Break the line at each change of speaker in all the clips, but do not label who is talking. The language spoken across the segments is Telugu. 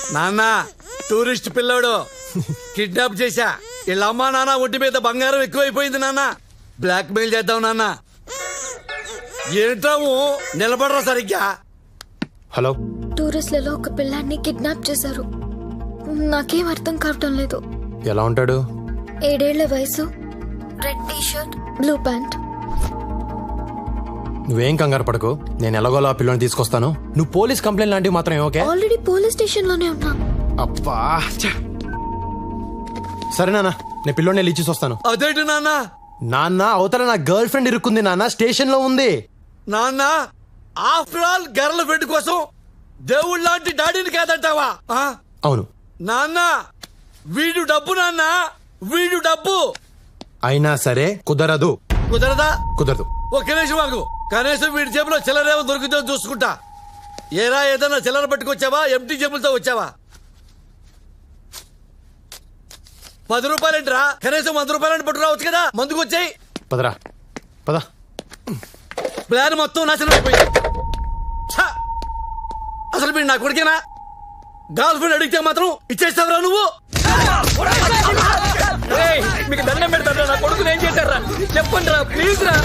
నాన్న టూరిస్ట్ పిల్లోడు కిడ్నాప్ చేశా. వీళ్ళ అమ్మా నాన్న ఒంటి మీద బంగారం ఎక్కువైపోయింది నాన్న. బ్లాక్ మెయిల్ చేద్దాం నాన్న. ఏంటాము నిలబడరా సరిగ్గా.
హలో,
టూరిస్ట్లలో ఒక పిల్లాన్ని కిడ్నాప్ చేశారు. నాకేం అర్థం కావటం లేదు.
ఎలా ఉంటాడు?
7 ఏళ్ల వయసు, red T shirt, blue pant.
నువ్వేం కంగారు పడకు, నేను ఎలాగోలా ఆ పిల్లని తీసుకొస్తాను. నువ్వు పోలీస్ కంప్లైంట్ లాంటివి మాత్రం ఓకే?
ఆల్రెడీ పోలీస్ స్టేషన్ లోనే ఉన్నా.
అబ్బా సరే నాన్న, నేను పిల్లోని వెళ్ళి ఇచ్చేసి వస్తాను.
అదేంటి నాన్న?
నాన్న అవతల నా గర్ల్ ఫ్రెండ్ ఇరుక్కుంది నాన్న, స్టేషన్ లో ఉంది.
నాన్న ఆఫ్టర్ ఆల్ గర్ల్ ఫ్రెండ్ కోసం దేవుళ్ళ లాంటి డాడీని కాదంటావా?
అవును
నాన్న వీడు డబ్బు, నాన్న వీడు డబ్బు.
అయినా సరే కుదరదు.
కుదరదా?
కుదరదు.
ఒక్క నిమిషం మాకు, కనీసం వీడి జేబులో చిల్లరేమో దొరికితే చూసుకుంటా. ఏరా ఏదన్నా చిల్లర పట్టుకొచ్చావా? ఎంటీ జేబులతో వచ్చావా? 10 రూపాయలేంటిరా? కనీసం 100 రూపాయలని పట్టు రావచ్చు కదా. మందుకు వచ్చాయి.
పదరా పద.
ప్లాన్ మొత్తం నాశనం అయిపోయింది. ఛ! అసలు మీరు నా కొడుకేనా? గర్ల్ ఫ్రెండ్ అడిగితే మాత్రం ఇచ్చేస్తావురా నువ్వు?
మీకు దండం పెడతారా? నా కొడుకుని ఏం చేశారా చెప్పండి రా, ప్లీజ్ రా.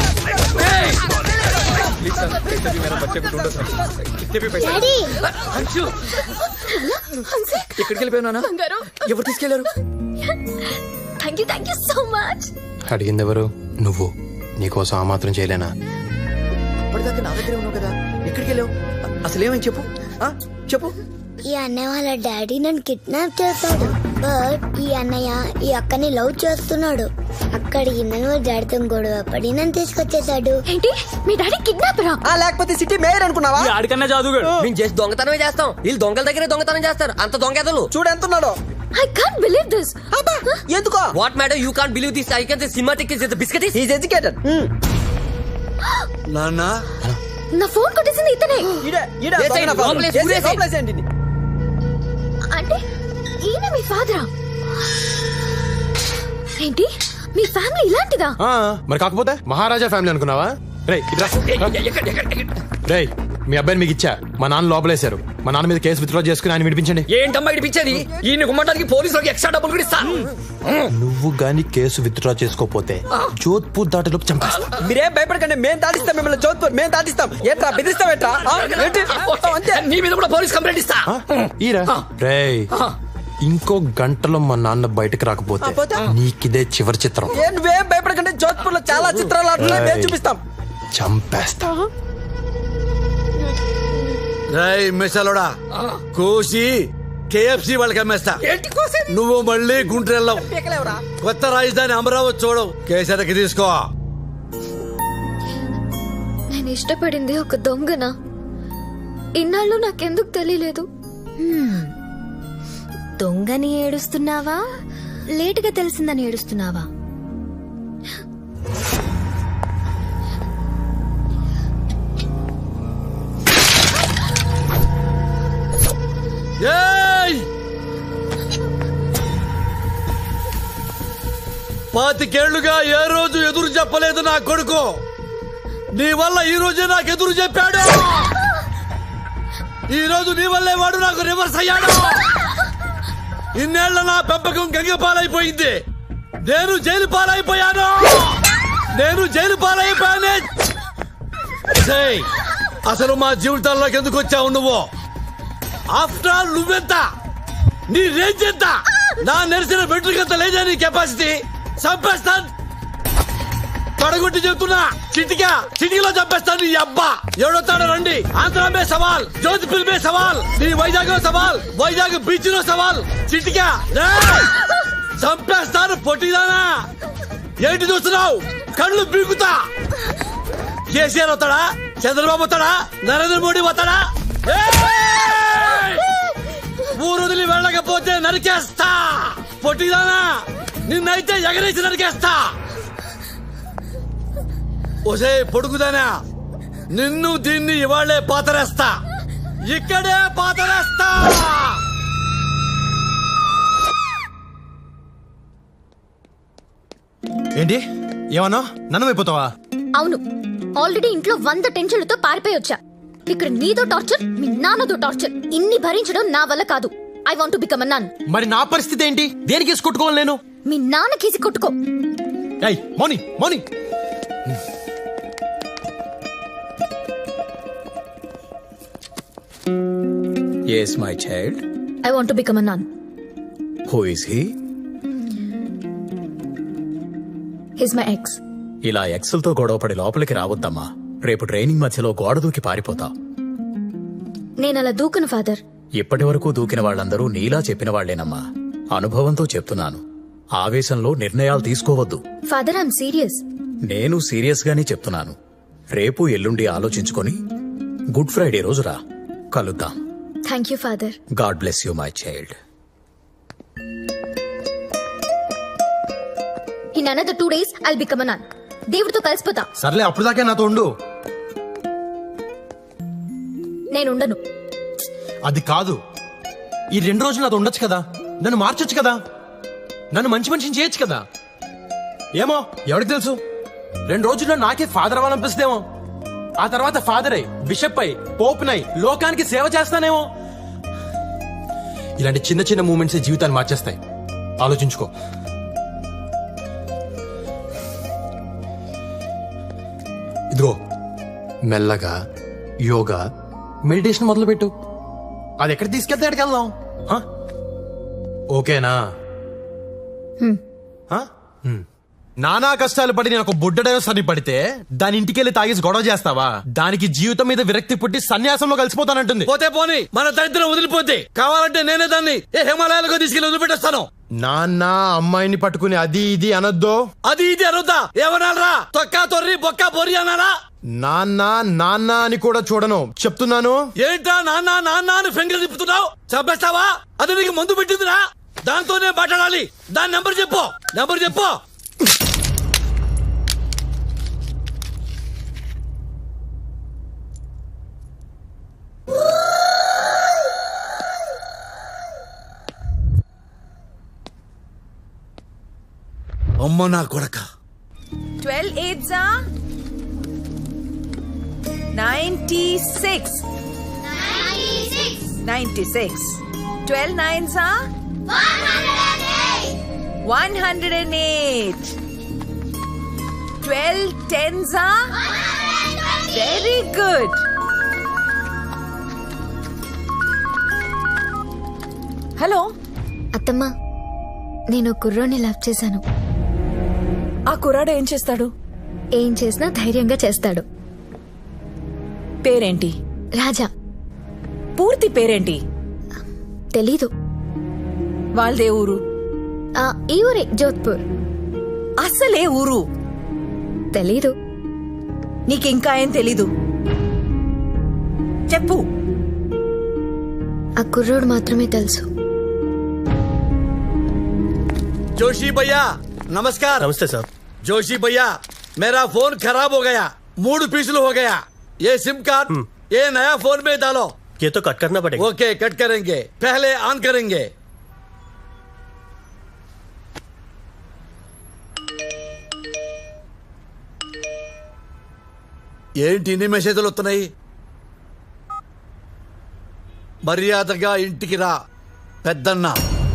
ఎక్కడికి వెళ్ళిపోయినా? ఎవరు తీసుకెళ్లారు?
Thank you so much.
అడిగింది ఎవరు? నువ్వు. నీకోసం ఆ మాత్రం చేయలేనా?
అప్పటిదాకా నా దగ్గరే ఉన్నావు కదా, ఎక్కడికి వెళ్ళావు? అసలు ఏమని చెప్పు, చెప్పు.
ఈ అన్నయ్య వాళ్ళ డాడీ నన్ను కిడ్నాప్ చేస్తాడు. బట్ ఈ అన్నయ్య ఈ అక్కని లవ్ చేస్తున్నాడు. అక్కడికి నన్ను వాళ్ళ డాడీతో గొడవ పడి నన్ను తీసుకొచ్చేసాడు.
ఏంటి మీ డాడీ కిడ్నాపరా?
లేకపోతే సిటీ మేయర్ అనుకున్నావా?
ఆడికన్నా జాదుగాడు. మేము చేసి దొంగతనమే చేస్తాం, వీళ్ళు దొంగల దగ్గరే దొంగతనం చేస్తారు. అంత దొంగలు
చూడు ఎంతున్నాడో.
I can't believe this.
ఎందుకో?
What madam, you can't believe this. I can say cinematic is the biscuit.
Is educated.
నాన్న
నా ఫోన్ కొట్టేసింది ఇతనే. అంటే ఈయన మీ ఫాదరా? ఏంటి మీ ఫ్యామిలీ ఇలాంటిదా?
మరి కాకపోతే మహారాజా ఫ్యామిలీ అనుకున్నావా? రేయ్ మీ అబ్బాయిని మీకు ఇచ్చా, మా నాన్న లోపలేశారు. మా నాన్న మీద కేసు విత్డ్రా చేసుకుని ఆయన విడిపించండి.
ఏంటమ్మా ఇడిపించేది? ఈయన గుమ్మటానికి పోలీసులకు ఎక్స్ట్రా డబ్బులు కూడా ఇస్తా.
నువ్వు గాని కేసు విత్డ్రా చేసుకోపోతే జోధ్పూర్ దాటిలోపు చంపేస్తా.
మీరేం భయపడకండి, మేము దాటిస్తాం మిమ్మల్ని. జోధ్పూర్ మేము దాటిస్తాం. ఏంట్రా బెదిరిస్తాం? ఏంట్రా
నీ మీద కూడా పోలీస్ కంప్లైంట్ ఇస్తా.
ఈరా రేయ్, ఇంకో గంటలో మా నాన్న బయటకు రాకపోతే నీకిదే చివరి చిత్రం.
నువ్వేం భయపడకండి, జోధ్పూర్ లో చాలా చిత్రాలు ఆడుతున్నాయి, మేము చూపిస్తాం.
చంపేస్తా.
రేయ్ మిసలోడా, కోసి KFC వాళ్ళకి అమ్మేస్తా. నువ్వు మళ్ళీ గుంటూరు కొత్త రాజధాని అమరావతి చూడవు. కేసరికి తీసుకో.
నేను ఇష్టపడింది ఒక దొంగనా? ఇన్నాళ్ళు నాకెందుకు తెలియలేదు?
దొంగని ఏడుస్తున్నావా, లేటుగా తెలిసిందని ఏడుస్తున్నావా?
ఏయ్! 25 ఏళ్లుగా ఏ రోజు ఎదురు చెప్పలేదు నా కొడుకు. నీ వల్ల ఈ రోజే నాకు ఎదురు చెప్పాడు. ఈ రోజు నీ వల్లే వాడు నాకు రివర్స్ అయ్యాడు. ఇన్నేళ్ల నా పెంపకం గంగ పాలైపోయింది. నేను జైలు పాలైపోయాను. అసలు మా జీవితాల్లోకి ఎందుకు వచ్చావు నువ్వు? ఆఫ్టర్ ఆల్ నువ్వెంత, నీ రేంజ్ ఎంత? నా నెరిసిన బెట్రికంత లేదా నీ కెపాసిటీ? చంపేస్తాను, పడగొట్టి చెప్తున్నా. చిటికలో చంపేస్తాను. నీ అబ్బా ఎవడొస్తాడో రండి. ఆంధ్ర మే సవాల్, జోధ్పూర్ మే సవాల్, నీ వైజాగ్ సవాల్, వైజాగ్ బీచ్ లో సవాల్. చిటికా చంపేస్తాను. పొట్టిదానా ఏంటి చూస్తున్నావు? కళ్ళు పీకుతా. కేసీఆర్ వస్తాడా? చంద్రబాబు వస్తాడా? నరేంద్ర మోడీ వస్తాడా? ఊరు వదిలి వెళ్ళకపోతే నరికేస్తా. పొట్టిదానా నిన్నైతే ఎగరేసి నరికేస్తా. ఒసే పొడుగుదానా, నిన్ను దీన్ని ఇవాళ్లే పాతరేస్తా. ఇక్కడే పాతరేస్తా.
ఏంటి ఏమన్నా నన్ను అయిపోతావా?
అవును, ఆల్రెడీ ఇంట్లో 100 టెన్షన్లతో పారిపోయి వచ్చా. ఇక్కడ నీదో టార్చర్, మీ నాన్నదో టార్చర్. ఇన్ని భరించడం నా వల్ల కాదు. I want to become a nun.
మరి నా పరిస్థితి ఏంటి? దేనికి కేసు కొట్టుకోవాలి నేను?
మీ నాన్న కేసి కొట్టుకో.
ఏయ్ Mouni Mouni,
Yes, my child.
I want to become a nun.
Who is he?
He's my ex.
ఇలా ఎక్సెల్తో గొడవపడి లోపలికి రావద్దమ్మా. రేపు ట్రైనింగ్ మధ్యలో గోడ దూకి పారిపోతావు.
నేను అలా దూకను ఫాదర్.
ఇప్పటి వరకు దూకిన వాళ్ళందరూ నీలా చెప్పిన వాళ్లేనమ్మా. అనుభవంతో చెప్తున్నాను. ఆవేశంలో నిర్ణయాలు తీసుకోవద్దు.
Father I'm serious.
నేను సీరియస్ గానే చెప్తున్నాను. రేపు ఎల్లుండి ఆలోచించుకొని గుడ్ ఫ్రైడే రోజు రా, కలుద్దాం.
Thank you father.
God bless you my child.
In another 2 days I'll become a nun. దేవుడితో కలిసిపోతా.
సర్లే అప్పుడు దాకా నాతో ఉండు.
నేను ఉండను.
అది కాదు, ఈ 2 రోజులు నాతో ఉండొచ్చు కదా, నన్ను మార్చొచ్చు కదా, నన్ను మంచి మనిషిని చేయొచ్చు కదా. ఏమో ఎవరికి తెలుసు, 2 రోజుల్లో నాకే ఫాదర్ అవ్వాలనిపిస్తేమో. ఆ తర్వాత ఫాదర్ అయి, బిషప్ అయి, పోప్ నై లోకానికి సేవ చేస్తానేమో. ఇలాంటి చిన్న చిన్న మూమెంట్స్ జీవితాన్ని మార్చేస్తాయి. ఆలోచించుకో. ఇదిగో మెల్లగా యోగా మెడిటేషన్ మొదలుపెట్టు. అది ఎక్కడ తీసుకెళ్తే ఎక్కడికి వెళ్దాం. హ? ఓకేనా? హ? నానా కష్టాలు పడి నేను ఒక బుడ్డడో సరి పడితే దాని ఇంటికెళ్ళి తాగేసి గొడవ చేస్తావా? దానికి జీవితం మీద విరక్తి పుట్టి సన్యాసంలో కలిసిపోతానంటుంది.
పోతే పోని, మన దరిద్రం వదిలిపోతే కావాలంటే నేనే దాన్ని హిమాలయాలకు తీసుకెళ్లి వదిలిపెట్టేస్తాను.
నాన్న అమ్మాయిని పట్టుకుని అది ఇది అనొద్దు.
అది ఇది అనొద్దా? ఏమనాలరా? తొక్క తొర్రి బొక్క బొర్రి అనాలా?
నాన్న నాన్న అని కూడా చూడను, చెప్తున్నాను.
ఏంటా నాన్న నాన్న అని ఫింగర్ తిప్పుతున్నావు? చంపేస్తావా? అది నీకు మందు పెట్టిందిరా? దాంతోనే మాట్లాడాలి. దాని నెంబర్ చెప్పు, నెంబర్ చెప్పు. అమ్మ నా కొడక.
12 8s are 96. 96. 12 9s are 108. 12 10s are very good. Hello
అత్తమ్మా, నేను కుర్రోని లవ్ చేశాను.
ఆ కుర్రాడు ఏం చేస్తాడు?
ఏం చేసినా ధైర్యంగా చేస్తాడు.
పేరేంటి?
రాజా.
పూర్తి పేరేంటి?
తెలీదు.
వాళ్ళదే ఊరు?
ఈ ఊరే, జోధ్పూర్.
అసలే ఊరు
తెలీదు.
నీకింకా ఏం తెలీదు? చెప్పు.
ఆ కుర్రోడు మాత్రమే తెలుసు.
जोशी भैया नमस्कार.
నమస్తే సార్.
जोशी भैया मेरा फोन खराब हो गया, मूड पिछलू हो गया. ये सिम कार्ड ये नया फोन में डालो.
ये तो कट करना पड़ेगा.
ओके कट करेंगे, पहले ऑन करेंगे. ఏంటి ఇన్ని మెసేజ్లు వస్తున్నాయి? మర్యాదగా ఇంటికి రా పెద్దన్న.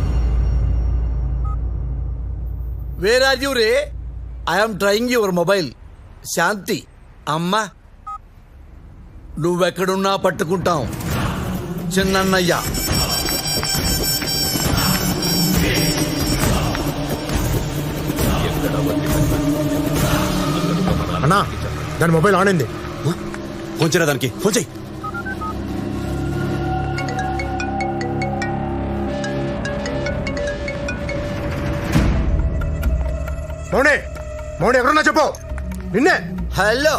వేర్ ఆర్ యూ రే? I'm trying your mobile. Shanti అమ్మా, నువ్వెక్కడున్నా పట్టుకుంటాం. చిన్నయ్య
అన్నా, దాని మొబైల్ ఆన్ అయింది.
ఫోన్ చేయరా దానికి, ఫోన్ చేయి.
మౌనే మౌనే ఎక్కడున్నా చెప్పు. నిన్నే.
హలో.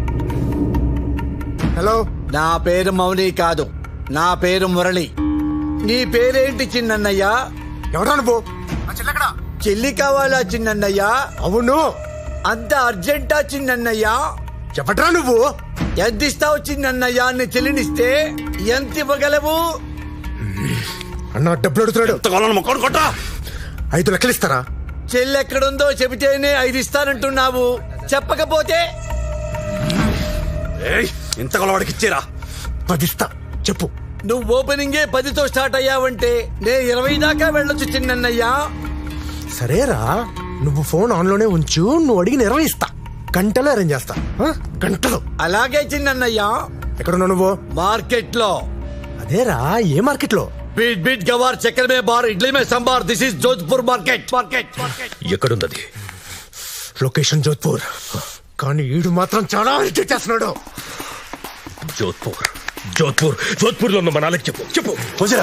హలో.
నా పేరు మౌని కాదు, నా పేరు మురళి. నీ పేరేంటి చిన్నయ్య?
ఎవరా నువ్వు?
చెల్లి కావాలా చిన్నయ్య?
అవును.
అంత అర్జెంటా చిన్నయ్య?
చెప్పట్రా నువ్వు.
ఎంత ఇస్తావు చిన్నయ్య? నీ చెల్లినిస్తే ఎంత ఇవ్వగలవు?
అన్న డబ్బులు అడుగుతున్నాడు. 5 లక్షలు ఇస్తారా?
చెల్లెక్కడుందో చెబితేనే 5 ఇస్తానంటున్నావు, చెప్పకపోతే
ఇంత కొలవాడికి ఇచ్చేరా.
10 ఇస్తా, చెప్పు.
నువ్వు ఓపెనింగే 10తో స్టార్ట్ అయ్యావంటే నే 20 దాకా వెళ్ళొచ్చు చిన్నయ్యా.
సరేరా, నువ్వు ఫోన్ ఆన్ లోనే ఉంచు, నువ్వు అడిగి నిర్వహిస్తా. గంటలో అరేంజ్ చేస్తా, గంటలో.
అలాగే చిన్నయ్యా.
ఎక్కడున్నావు నువ్వు?
మార్కెట్ లో.
అదేరా, ఏ మార్కెట్ లో?
बीट बीट गवार चक्कर में बार इडली में संभार. This is Jodhpur market.
ఎక్కడుందది?
లొకేషన్ జోధ్పూర్. కానీ ఈడు మాత్రం చాలా ఇరిటేట్ చేస్తున్నాడు.
జోధ్పూర్ జోధ్పూర్ జోధ్పూర్ లో ఉన్న మనాలకి చెప్పు చెప్పు.
వజరా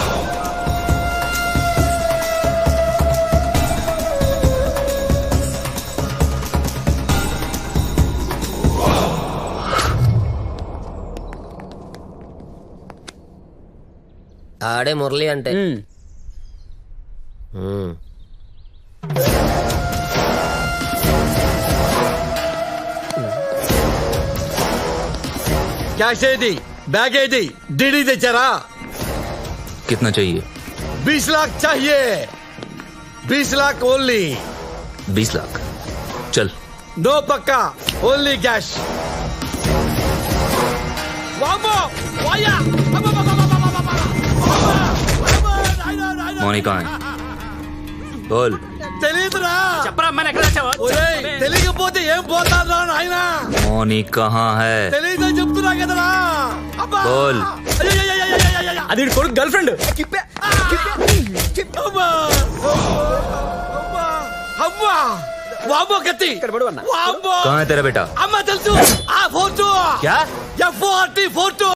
ఆడే మురళి అంటే
कैश दी बैग दी डीडी తెచ్చారా?
कितना चाहिए?
20 लाख चाहिए. 20 लाख ओनली.
20 लाख चल.
नो पक्का, ओनली कैश. वामो वाया.
मौनी कहाँ है? बोल.
తెలియదురా. తెలియకపోతే ఏం పోతారా నాయనా?
मौनी कहाँ है?
తెలియదని చెప్తున్నా కదరా.
बोल.
అది కొడుకు గర్ల్ ఫ్రెండ్.
అమ్మా వామో కత్తి. వామో.
कहाँ है तेरा बेटा?
అమ్మ తెలుసు. ఆ ఫోటో
क्या?
F40